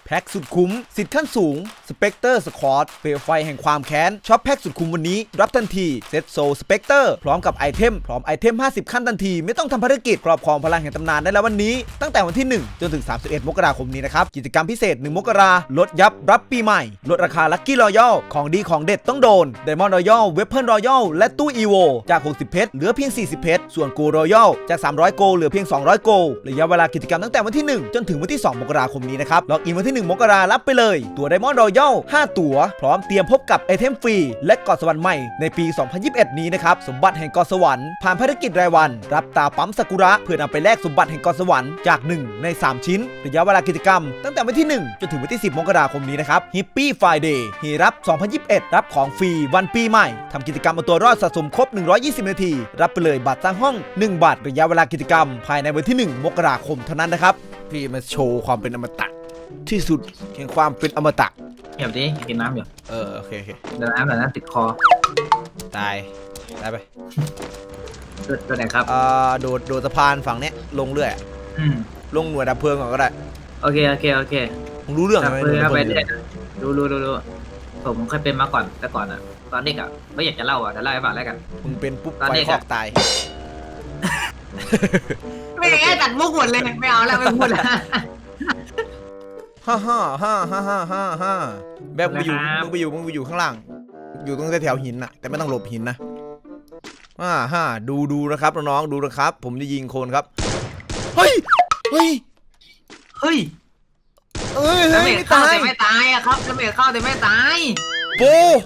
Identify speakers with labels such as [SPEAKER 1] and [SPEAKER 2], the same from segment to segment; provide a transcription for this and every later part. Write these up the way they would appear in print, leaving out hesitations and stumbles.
[SPEAKER 1] แพ็กสุดคุ้มสิทธิ์ขั้นสูงสเปกเตอร์สควอตเปลวไฟแห่งความแค้นช็อปแพ็กสุดคุ้มวันนี้รับทันทีเซตโซสเปกเตอร์พร้อมกับไอเทม50ขั้นทันทีไม่ต้องทำภารกิจครอบครองพลังแห่งตำนานได้แล้ววันนี้ตั้งแต่วันที่1จนถึง31มกราคมนี้นะครับกิจกรรมพิเศษ1มกราลดยับรับปีใหม่ลดราคาลัคกี้รอยัลของดีของเด็ดต้องโดนไดมอนด์รอยัลเวปเปิลรอยัลและตู้อีโวจาก60เพชรเหลือเพียง40เพชรส่วนโกรอยัลจาก300โกเหลือเพียง200โกระยะเวลากิจกรรมตั้งแต่วันที่1จนถึงวันที่2มกราคมนี้นะครับล็อกอินวันที่1มกรารับไปเลยตัวไดมอนด์รอยัล5ตัวพร้อมเตรียมพบกับไอเทมฟรีและเกาะสวรรค์ใหม่ในปี2021นี้นะครับสมบัติแห่งเกาะสวรรค์ผ่านภารกิจรายวันรับตาปั๊มซากุระเพื่อนำไปแลกสมบัติแห่งเกาะสวรรค์จาก1ใน3ชิ้นระยะเวลากิจกรรมตั้งแต่วันที่1จนถึงวันที่10มกราคมนี้นะครับฮิปปี้ไฟเดย์ฮีรับ2021รับของฟรีวันปีใหม่ทำกิจกรรมเอาตัวรอดสะสมครบ120นาทีรับไปเลยบัตรสร้างห้อง1บาทระยะเวลากิจกรรมภายในวันที่1มกราคมเท่านั้นนะครับพี่มาโชว์ความเป็นอมตะที่สุดแห่งความเป็นอมตะ
[SPEAKER 2] เดี๋ยวดิกินน้ำอยู่
[SPEAKER 1] โอเค
[SPEAKER 2] เดี๋ยวน้ำติดคอ
[SPEAKER 1] ตายไป
[SPEAKER 2] ตัวไหนครับ
[SPEAKER 1] โดดสะพานฝั่งเนี้ยลงเรื่อยลงหน่วยดับเพลิงก่อนก็ได้
[SPEAKER 2] โอเค
[SPEAKER 1] มึงรู้เรื่องไหม
[SPEAKER 2] ไปเรื่อยรู้ผมเคยเป็นมาก่อนแต่ก่อนอ่ะตอนเด็กอ่ะไม่อยากจะเล่าอ่ะแต่เล่าให้ฟังแล้วกัน
[SPEAKER 1] มึงเป็นปุ๊บไฟคอกตาย
[SPEAKER 2] ไม่ได้ตัดมุกหมดเลยไม่เอาแล้วไม่พูดแล้ว
[SPEAKER 1] ฮ่าแบบมึงไปอยู่ข้างล่างอยู่ตรงแถวหินน่ะแต่ไม่ต้องหลบหินนะดูนะครับน้องๆดูนะครับผมจะยิงโคนครับเฮ้ย
[SPEAKER 2] ไม่ตายไม่ตายอะครับจะไม่เข้าแต่ไม่ตาย
[SPEAKER 1] โป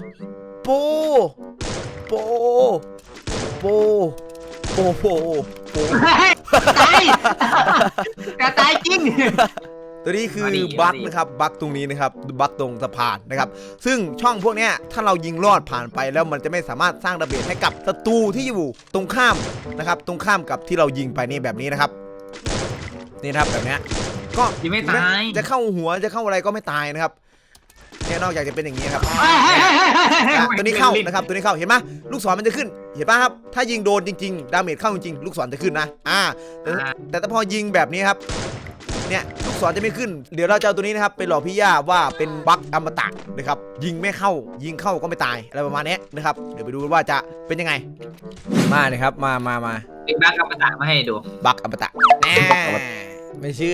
[SPEAKER 2] ตายจริง
[SPEAKER 1] ตัวนี้คือบั๊กนะครับบั๊กตรงนี้นะครับบั๊กตรงสะพานนะครับซึ่งช่องพวกเนี้ยถ้าเรายิงลอดผ่านไปแล้วมันจะไม่สามารถสร้างระเบิดให้กับศัตรูที่อยู่ตรงข้ามนะครับตรงข้ามกับที่เรายิงไปนี่แบบนี้นะครับนี่นะครับแบบเนี้ยก็
[SPEAKER 2] ไม่ตาย
[SPEAKER 1] จะเข้าหัวจะเข้าอะไรก็ไม่ตายนะครับแค่นอกจากจะเป็นอย่างนี้ครับตัวนี้เข้านะครับตัวนี้เข้าเห็นไหมลูกศรมันจะขึ้นเห็นป่ะครับถ้ายิงโดนจริงๆดาเมจเข้าจริงๆลูกศรจะขึ้นนะแต่ถ้าพอยิงแบบนี้ครับเนี่ยลูกศรจะไม่ขึ้นเดี๋ยวเราจะเอาตัวนี้นะครับไปหลอกพี่ย่าว่าเป็นบั๊กอมตะนะครับยิงไม่เข้ายิงเข้าก็ไม่ตายอะไรประมาณนี้นะครับเดี๋ยวไปดูว่าจะเป็นยังไงมาเลยครับมา
[SPEAKER 2] เป็นบั๊กอมตะมาให้ดู
[SPEAKER 1] บั๊กอมตะแน่ไม่เชื่อ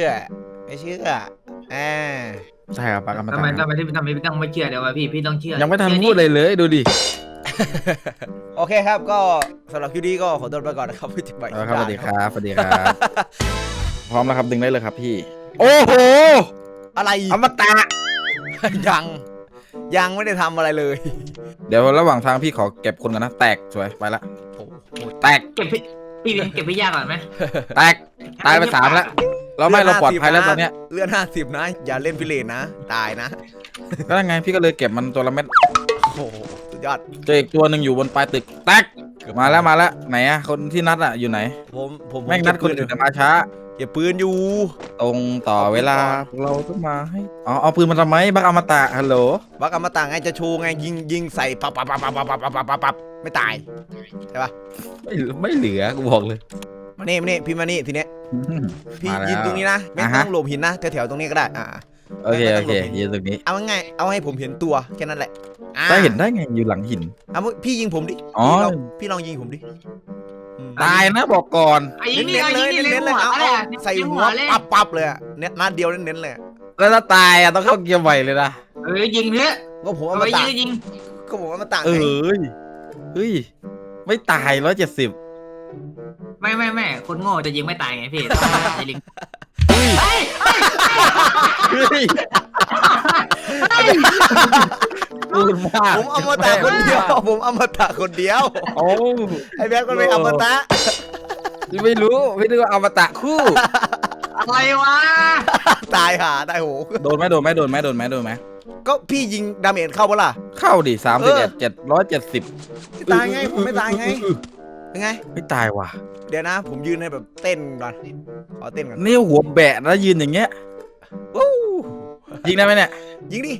[SPEAKER 3] ใช่ครับบั๊กอมตะ
[SPEAKER 2] ทำไมพี่ต้องไม่เชื่อเดี๋ยวพี่ต้องเชื่อ
[SPEAKER 3] ยังไม่ทันพูดเลยดูดิ
[SPEAKER 1] โอเคครับก็สำหรับคลิปนี้ก็ขอตัวไปก่อนนะครับพี่จิ๊บไป
[SPEAKER 3] ครับสวัสดีครับพร้อมแล้วครับดึงได้เลยครับพี่โอ้โห
[SPEAKER 1] อะไร
[SPEAKER 3] อมตะ
[SPEAKER 1] ยังไม่ได้ทำอะไรเลย
[SPEAKER 3] เดี๋ยวระหว่างทางพี่ขอเก็บคนกันนะแตกสวยไปละแตก
[SPEAKER 2] เก็บพี่ยากก่อนไหม
[SPEAKER 3] แตกตายไป3แล้วเราปลอดภัยแล้วตอนเนี้ย
[SPEAKER 1] เลือด50นะอย่าเล่นพิเรนนะตายนะ
[SPEAKER 3] ก็ยังไงพี่ก็เลยเก็บมันตัวละเม็ด
[SPEAKER 1] โอ้สุดยอด
[SPEAKER 3] เจออีกตัวหนึ่งอยู่บนปลายตึกแตกมาแล้วไหนอะคนที่นัดอะอยู่ไหน
[SPEAKER 1] ผม
[SPEAKER 3] แม่งนัดคนอื่นแต่มาช้า
[SPEAKER 1] เก็บปืนอยู่
[SPEAKER 3] ตรงต่อเวลาเราต้องมาให้เอาปืนมาทำไมบักอมตะฮัลโหล
[SPEAKER 1] บักอมตะไงจะโชว์ไงยิงใส่ปับไม่ตายใช่ปะ
[SPEAKER 3] ไม่เหลือกูบอกเลย
[SPEAKER 1] มานี่พี่มานี่ทีเนี้ยพี่ยืนตรงนี้นะไม่ต้องหลบหินนะแถวตรงนี้ก็ได้
[SPEAKER 3] โอเคยืนตรงนี้
[SPEAKER 1] เอาไงเอาให้ผมเห็นตัวแค่นั้นแหละ
[SPEAKER 3] ได้เห็นได้ไงอยู่หลังหิน
[SPEAKER 1] พี่ยิงผมดิพี่ลองยิงผมดิ
[SPEAKER 3] ตายนะบอกก่อน
[SPEAKER 1] เน้นเลยเอาใส่หัวปับเลยเนี่ยนัดเดียวเน้นเลย
[SPEAKER 3] แล้วถ้าตายต้องเข้าเกียร์ใหม่เลยนะ
[SPEAKER 2] ยิงเนี้ย
[SPEAKER 1] ก็ผมเอามาตากก็ผมเอามาตาก
[SPEAKER 3] เฮ้ยไม่ตาย170
[SPEAKER 2] ไม่คนโง่จะยิงไม่ตายไงพี่ไอ้ลิง
[SPEAKER 1] ผมเอามาตากคนเดียวโอ้ไอ้แบ๊กก็ไม่เอามาตา
[SPEAKER 3] ไม่รู้พี่นึกว่าเอามาตะคู่
[SPEAKER 2] อะไรวะ
[SPEAKER 1] ตายโห
[SPEAKER 3] โดนไหม
[SPEAKER 1] ก็พี่ยิงดาเมจเข้าปะล่ะ
[SPEAKER 3] เข้าดิ770
[SPEAKER 1] ตายไงผมไม่ตายไงยังไง
[SPEAKER 3] ไม่ตายว่ะ
[SPEAKER 1] เดี๋ยวนะผมยืนให้แบบเต้นก่อนขอเต้นก่อน
[SPEAKER 3] นี่หัวแบะแล้วยืนอย่างเงี้ยยิงได้ไหมเนี่ย
[SPEAKER 1] ยิงดิ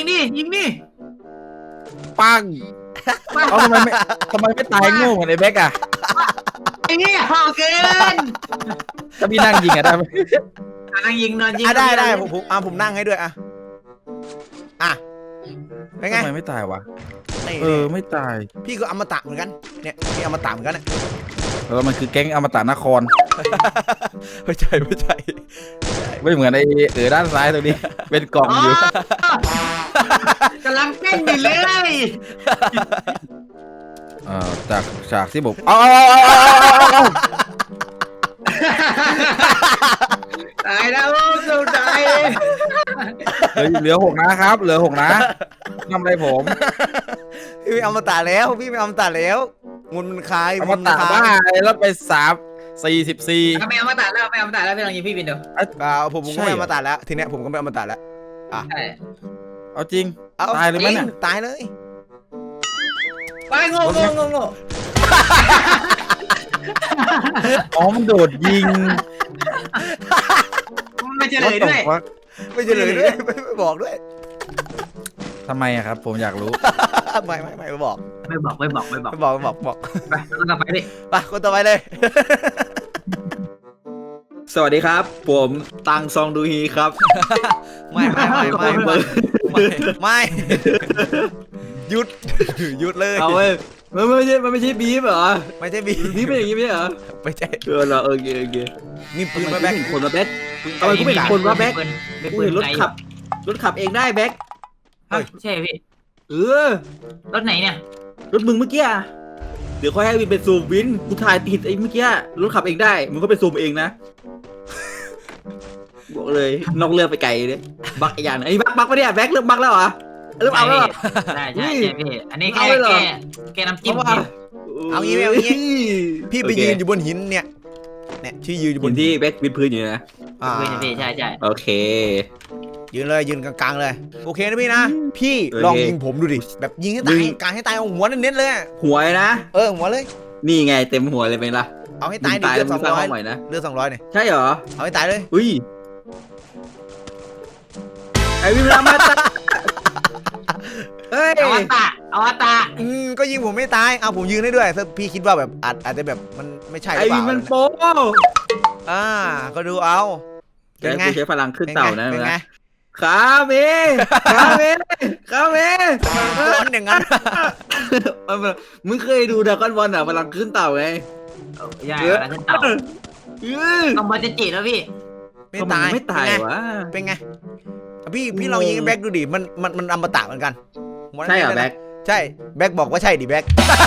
[SPEAKER 3] ปังทำไมไม่ตายโง่เหมือนไอ้แบ๊กอะ
[SPEAKER 2] ไอ้นี่ห่อเกิน
[SPEAKER 3] ถ้าพี่นั่งยิงอะได้ไหม
[SPEAKER 2] นั่งยิงนอนยิง
[SPEAKER 1] ได้ผมนั่งให้ด้วยอะอ่ะเป็นไง
[SPEAKER 3] ทำไมไม่ตายวะ
[SPEAKER 1] นี่
[SPEAKER 3] ไม่ตาย
[SPEAKER 1] พี่ก็อมตะเหมือนกันเนี่ยพี่อมตะเหมือนกันเนี่ย
[SPEAKER 3] แล้วมันคือแก๊งอมตะนคร
[SPEAKER 1] ไม่ใช่
[SPEAKER 3] ไม่เหมือนไอ้ด้านซ้ายตรงนี้ เป็นกล่องอยู่
[SPEAKER 2] กำลังเต้นอยู่เลย
[SPEAKER 3] จากฉากที่ผม
[SPEAKER 2] ตายแล้วสุดใจ
[SPEAKER 3] เหลือ6นะครับ เหลือ6นะทำอะไรผม
[SPEAKER 1] พี่ไม่อมตะแล้วพี่ไม่อมตะแล้วมันคลาย
[SPEAKER 3] อมตะบ้าแล้วไป44
[SPEAKER 2] ไม่เอามาตัดแล้วไม่เอามาตัดแล้วพี่ลองยิงพี่บินดู
[SPEAKER 1] ผมก็ไม่อมตะแล้วทีเนี้ยผมก็ไม่อมตะแล้ว
[SPEAKER 2] ใช่
[SPEAKER 3] เอาจริง
[SPEAKER 1] เอา
[SPEAKER 3] ตายเลยไหมเนี่ย
[SPEAKER 1] ตายเลย
[SPEAKER 2] ไปโง่
[SPEAKER 3] อ๋อมันโดดยิง
[SPEAKER 2] ไม่เฉลยด้วย
[SPEAKER 1] ไม่เฉลยด้วยไม่บอกด้วย
[SPEAKER 3] ทำไมอะครับ ผมอยากรู้
[SPEAKER 1] ไม่บอก
[SPEAKER 2] ไม่บอก
[SPEAKER 1] ไปคนต่อไปดิไปคนต่อไปเลย
[SPEAKER 4] สวัสดีครับ ผมตังซองดูฮีครับ
[SPEAKER 1] ไม่หยุดเลย
[SPEAKER 4] เอาเว้ยมันไม่ใช่บีฟเหรอ
[SPEAKER 1] ไม่ใช่บี
[SPEAKER 4] บีฟเป็นอย่างงี้ไม่ใช่เหรอ
[SPEAKER 1] ไม่ใช่
[SPEAKER 4] เหรอโอเค
[SPEAKER 1] มีปืน
[SPEAKER 4] ทำไม
[SPEAKER 1] มาแบ็ค
[SPEAKER 4] กูเห็นคนมาแบ็คทำไมกูเห็นคนว่าแบ็คกูเห็นรถขับเองได้แบ็ค
[SPEAKER 2] ใช่พี่
[SPEAKER 4] เออ
[SPEAKER 2] รถไหนเนี่ย
[SPEAKER 4] รถมึงเมื่อกี้อะเดี๋ยวค่อยให้วินเป็นซูมวินกูถ่ายติดไอ้เมื่อกี้รถขับเองได้มึงก็ไปซูมเองนะบอกเลยนอกเรื่องไปไกลเลยบักอีกอย่างไอ้บักปะเนี่ยแบ็คเริ่มบักแล้วเหรอเริ่มเอาแล้วเหรอ
[SPEAKER 2] ใช่พี่อันนี้แกน้ำจิ้ม
[SPEAKER 1] เอางี้พี่ไปยืนอยู่บนหินเนี่ยชื่อยืนอยู่บบ น
[SPEAKER 4] นที่แบ็ควินพื้นอยู่นะ
[SPEAKER 2] พี่ใช่
[SPEAKER 4] โอเค
[SPEAKER 1] ยืนเลยยืนกลางๆเลยโอเคนะพี่นะพี่ลองยิงผมดูดิแบบยิงให้ตายกลางให้ตายเอาหัวเน้นๆเลย
[SPEAKER 4] หัวนะ
[SPEAKER 1] หัวเลย
[SPEAKER 4] นี่ไงเต็มหัวเลยเป็นละ
[SPEAKER 1] เอาให้ตายดิ
[SPEAKER 4] ตาย
[SPEAKER 1] เลื
[SPEAKER 4] แล้
[SPEAKER 1] อ
[SPEAKER 4] ว
[SPEAKER 1] ด
[SPEAKER 4] มึงสร้างห้อง
[SPEAKER 1] 200
[SPEAKER 4] ใหม่นะ
[SPEAKER 1] เลือด200เนี่ย
[SPEAKER 4] ใช่เหรอ
[SPEAKER 1] เอาให้ตายเลย
[SPEAKER 4] อุ้ยไอวิมลามาตาเฮ้ย
[SPEAKER 2] เอาตา
[SPEAKER 1] ก็ยิงผมไม่ตายเอาผมยืนได้ด้วยถ้าพี่คิดว่าแบบอาจจะแบบมันไม่ใช่ห
[SPEAKER 4] ไอ
[SPEAKER 1] รือเป
[SPEAKER 4] วิ
[SPEAKER 1] ล่าม
[SPEAKER 4] มันโป๊
[SPEAKER 1] ก็ดูเอา
[SPEAKER 4] แกกูใช้พลังขึ้นเต่านะ
[SPEAKER 1] เป็นไง
[SPEAKER 4] ขาเมขาเม
[SPEAKER 1] ร้อนอย่างนั้น
[SPEAKER 4] มึงเคยดูดราก้อนบอลอ่ะพลังขึ้นเต่าไง
[SPEAKER 2] ใช่แล้วขึ้นเต่าต้องมาจิแล้วพี่
[SPEAKER 1] ไม่ตาย
[SPEAKER 4] ไม่ตายวะ
[SPEAKER 1] เป็นไงพี่ลองยิงแบ็คดูดิมันอมตะเหมือนกัน
[SPEAKER 4] ใช่เหรอแบ็ค
[SPEAKER 1] ใช่แบ็คบอกว่าใช่ดิแบ็ค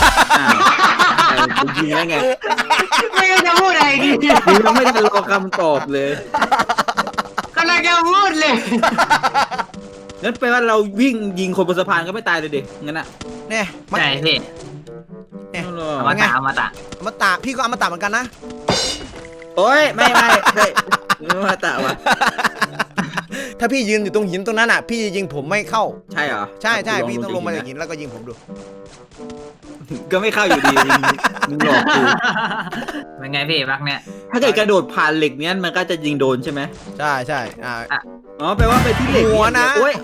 [SPEAKER 4] กูยิงแล้วไง
[SPEAKER 2] ไม่จะพูดอะไรดี
[SPEAKER 4] กูยังไม่ได้รอคำตอบเลย
[SPEAKER 2] กำลังจะพูดเลย
[SPEAKER 4] งั้นแปลว่าเราวิ่งยิงคนบนสะพานก็ไม่ตายเลยดิงั้นอ่ะ
[SPEAKER 1] เนี่ย
[SPEAKER 2] ใช่พี่ อมตะ
[SPEAKER 1] พี่ก็อมตะเหมือนกันนะ
[SPEAKER 4] โอ้ยไม่มาตะวะ
[SPEAKER 1] ถ้าพี่ยืนอยู่ตรงหินตรงนั้นอ่ะพี่ยิงผมไม่เข้า
[SPEAKER 4] ใช่เหรอ
[SPEAKER 1] ใช่พี่ต้องลงมาจากหินแล้วก็ยิงผมดู
[SPEAKER 4] ก็ไม่เข้าอยู่ดีมึงหลอกกู
[SPEAKER 2] เป็นไงพี่บักเนี่ย
[SPEAKER 4] ถ้าเกิดกระโดดผ่านเหล็กเนี้ยมันก็จะยิงโดนใช่ไหม
[SPEAKER 1] ใช่
[SPEAKER 4] อ๋อแปลว่าไปที่เหล็ก
[SPEAKER 1] หัวนะ
[SPEAKER 4] โอ้ย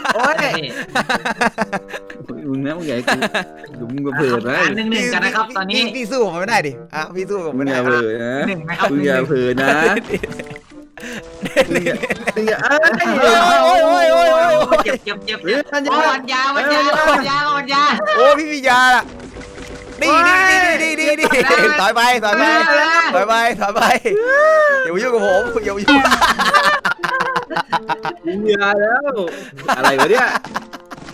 [SPEAKER 4] มึงนะมึงใหญ่กูดูมึงเผื่อนะ
[SPEAKER 2] หนึ่งกันนะครับตอนนี้
[SPEAKER 1] พี่สู้ผมไม่ได้ดิพี่สู้ผม
[SPEAKER 4] มึ
[SPEAKER 1] ไม่
[SPEAKER 4] งอ
[SPEAKER 1] ได้
[SPEAKER 4] ย่าเผื่อนะ
[SPEAKER 2] หนึ่งนะครับ
[SPEAKER 4] มึงอย่าเผื่อนะมึงอย่า
[SPEAKER 2] เจ็บวันยา
[SPEAKER 1] โอ้พี่มียาล่ะดีถอยไปอย่ามายุ่งกับผมอย่ามายุ่ง
[SPEAKER 4] มึงอย่าแล้วอะไรวะเนี่ย